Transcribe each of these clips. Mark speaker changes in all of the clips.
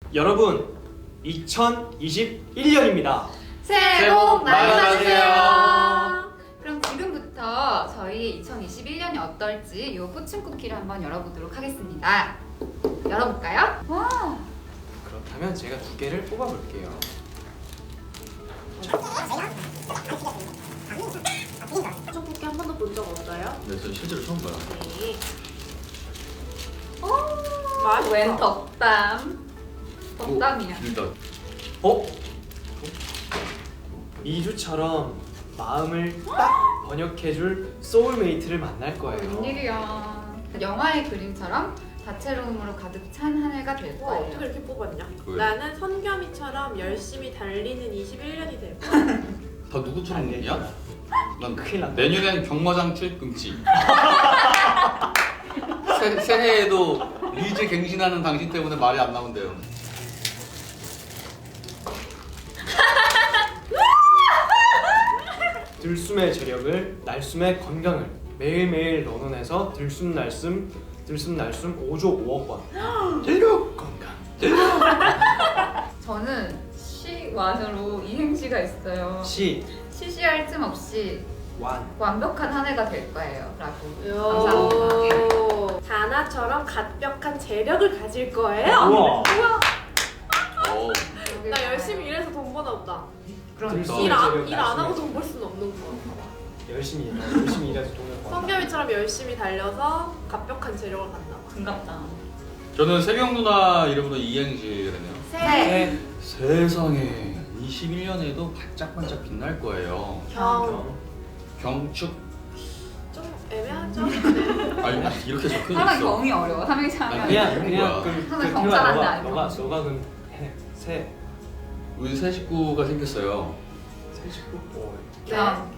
Speaker 1: 여러분, 2021년입니다.
Speaker 2: 새해 복 많이
Speaker 3: 받으세요.
Speaker 2: 받으세요. 그럼 지금부터 저희 2021년이 어떨지 이 포춘 쿠키를 한번 열어보도록 하겠습니다. 열어볼까요? 와,
Speaker 1: 그렇다면 제가 2개를 뽑아볼게요.
Speaker 4: 포춘 쿠키 한 번도 본 적 없어요?
Speaker 3: 네, 저 실제로 처음 봐요.
Speaker 2: 네.
Speaker 4: 맛있다.
Speaker 2: 웬 덕담? 덕담이야.
Speaker 3: 일단
Speaker 1: 미주처럼 마음을 딱 번역해줄 소울메이트를 만날 거예요.
Speaker 2: 웬일이야. 영화의 그림처럼 다채로움으로 가득 찬 한 해가 될
Speaker 4: 와, 어떻게
Speaker 2: 거예요.
Speaker 4: 이렇게 뽑았냐?
Speaker 3: 왜?
Speaker 4: 나는 선겸이처럼 열심히 달리는 21년이 될 거야.
Speaker 3: 다 누구처럼 얘기야? 난
Speaker 1: 큰일 났다.
Speaker 3: 내년엔 경마장 출입 금지. 새해에도 리즈 갱신하는 당신 때문에 말이 안 나온대요.
Speaker 1: 들숨의 재력을, 날숨의 건강을 매일매일 런온해서 들숨날숨 5조 5억 번. 재력 건강.
Speaker 2: 저는 시완으로 이행시가 있어요. 시시할 틈 없이
Speaker 1: 완.
Speaker 2: 완벽한 한 해가 될 거예요. 라고. 감사합니다.
Speaker 4: 요. 다나처럼 갓벽한 재력을 가질 거예요.
Speaker 1: 우와.
Speaker 3: 오,
Speaker 4: 나 열심히 일해서 돈 버나 보다.
Speaker 2: 그럼
Speaker 1: 들숨의
Speaker 4: 일 안
Speaker 1: 재력,
Speaker 4: 하고
Speaker 1: 날숨의
Speaker 4: 돈 벌 수는 없는 거야.
Speaker 1: 열심히 일해서 돈을 번.
Speaker 4: 선겸이처럼 열심히 달려서 갓벽한 재력을 갖나 봐.
Speaker 2: 반갑다.
Speaker 3: 저는 세경 누나 이름으로 이행시를 했네요.
Speaker 2: 새
Speaker 3: 세상에 21년에도 반짝반짝 빛날 거예요. 경축.
Speaker 4: 좀 애매하죠?
Speaker 3: 아니 이렇게 적혀
Speaker 2: 항상
Speaker 3: 있어.
Speaker 2: 경이 어려워. 삼행시 하면.
Speaker 1: 그냥
Speaker 2: 하나 경찰한데 아니고.
Speaker 1: 너가 그럼 해. 새
Speaker 3: 우리 새 식구가 생겼어요.
Speaker 1: 식구.
Speaker 4: 네.
Speaker 2: 경.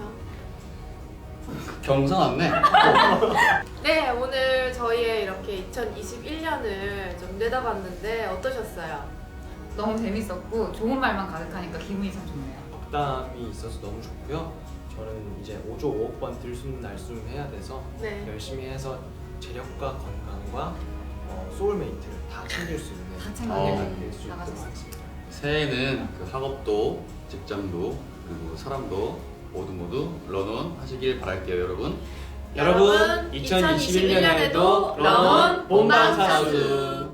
Speaker 3: 경상 왔네.
Speaker 4: 네, 오늘 저희의 이렇게 2021년을 좀 내다봤는데 어떠셨어요?
Speaker 2: 너무 재밌었고 좋은 말만 가득하니까 기분이 참 좋네요.
Speaker 1: 덕담이 있어서 너무 좋고요. 저는 이제 5조 5억 번 들숨날숨 해야 돼서
Speaker 4: 네.
Speaker 1: 열심히 해서 재력과 건강과 소울메이트를 다 챙길 수 있는
Speaker 2: 다
Speaker 1: 한
Speaker 2: 챙겨
Speaker 1: 해가 될 수 있도록
Speaker 2: 나가셨어요.
Speaker 1: 하겠습니다.
Speaker 3: 새해에는 그 학업도 직장도 그리고 사람도 모두 런온 하시길 바랄게요, 여러분.
Speaker 1: 여러분 2021년에도 런온 본방사수